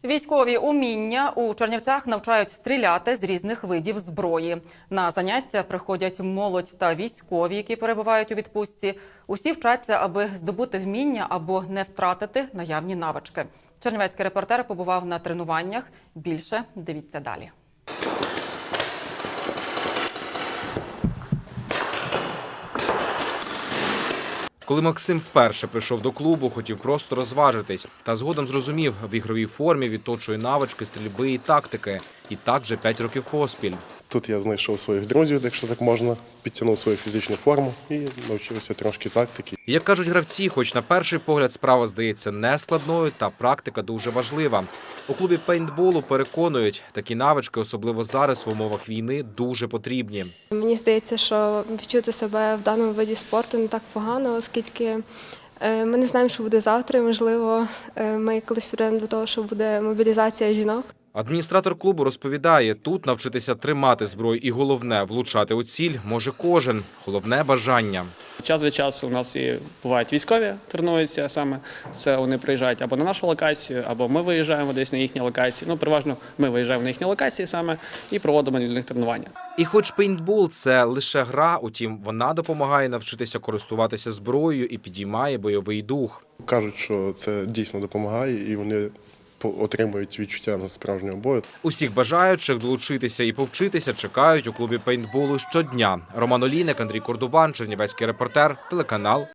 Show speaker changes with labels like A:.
A: Військові уміння у Чернівцях навчають стріляти з різних видів зброї. На заняття приходять молодь та військові, які перебувають у відпустці. Усі вчаться, аби здобути вміння або не втратити наявні навички. Чернівецький репортер побував на тренуваннях. Більше дивіться далі.
B: Коли Максим вперше прийшов до клубу, хотів просто розважитись. Та згодом зрозумів, в ігровій формі відточує навички стрільби і тактики. І так вже 5 років поспіль.
C: Тут я знайшов своїх друзів, якщо так можна, підтягнув свою фізичну форму і навчився трошки тактики.
B: Як кажуть гравці, хоч на перший погляд справа здається нескладною, та практика дуже важлива. У клубі пейнтболу переконують, такі навички, особливо зараз в умовах війни, дуже потрібні.
D: Мені здається, що відчути себе в даному виді спорту не так погано, оскільки ми не знаємо, що буде завтра. Можливо, ми колись прийдемо до того, що буде мобілізація жінок.
B: Адміністратор клубу розповідає, тут навчитися тримати зброю і головне – влучати у ціль може кожен. Головне – бажання.
E: Час від часу у нас і бувають військові, тренуються саме. Це вони приїжджають або на нашу локацію, або ми виїжджаємо десь на їхні локації. Ну, переважно ми виїжджаємо на їхні локації саме і проводимо для них тренування.
B: І хоч пейнтбол – це лише гра, утім, вона допомагає навчитися користуватися зброєю і підіймає бойовий дух.
C: Кажуть, що це дійсно допомагає і вони отримують відчуття на справжнього бою.
B: Усіх бажаючих долучитися і повчитися чекають у клубі пейнтболу щодня. Роман Олійник, Андрій Кордубан, Чернівецький репортер, телеканал